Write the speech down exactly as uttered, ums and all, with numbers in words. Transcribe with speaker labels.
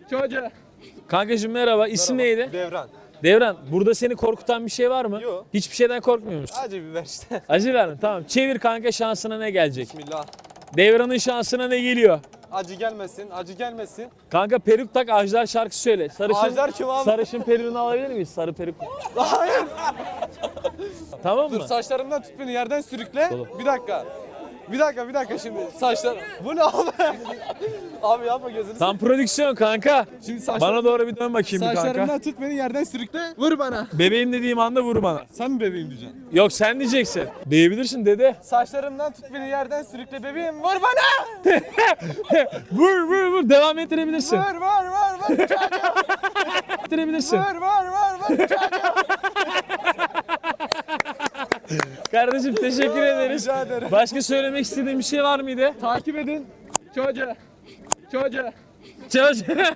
Speaker 1: Çocuğa.
Speaker 2: Kankacığım merhaba. İsim neydi?
Speaker 3: Devran.
Speaker 2: Devran, burada seni korkutan bir şey var mı?
Speaker 3: Yok.
Speaker 2: Hiçbir şeyden korkmuyor musun?
Speaker 3: Acı biber işte.
Speaker 2: Acı verin, tamam. Çevir kanka, şansına ne gelecek?
Speaker 3: Bismillah.
Speaker 2: Devran'ın şansına ne geliyor?
Speaker 3: Acı gelmesin, acı gelmesin.
Speaker 2: Kanka peruk tak, Ajdar şarkı söyle. Sarışın,
Speaker 3: Ajdar kim abi?
Speaker 2: Sarışın peruğunu alabilir miyiz? Sarı peruk.
Speaker 3: Hayır.
Speaker 2: Tamam
Speaker 3: Dur
Speaker 2: mı?
Speaker 3: saçlarımdan tut beni yerden sürükle.
Speaker 2: Oğlum.
Speaker 3: Bir dakika. Bir dakika bir dakika şimdi saçlar. Bu ne abi? Abi yapma gözünü.
Speaker 2: Tam prodüksiyon kanka.
Speaker 3: Şimdi saçlar...
Speaker 2: Bana doğru bir dön bakayım bir kanka.
Speaker 3: Saçlarımdan tut beni yerden sürükle. Vur bana.
Speaker 2: Bebeğim dediğim anda vur bana.
Speaker 3: Sen mi bebeğim diyeceksin?
Speaker 2: Yok, sen diyeceksin. Diyebilirsin dede.
Speaker 3: Saçlarımdan tut beni yerden sürükle bebeğim. Vur bana.
Speaker 2: Vur vur vur, devam ettirebilirsin.
Speaker 3: Vur vur vur vur.
Speaker 2: Ettirebilirsin.
Speaker 3: Vur vur vur vur.
Speaker 2: Kardeşim teşekkür ederiz.
Speaker 3: Rica ederim.
Speaker 2: Başka söylemek istediğin bir şey var mıydı?
Speaker 1: Takip edin. Çocuğa. Çocuğa.
Speaker 2: Çalış.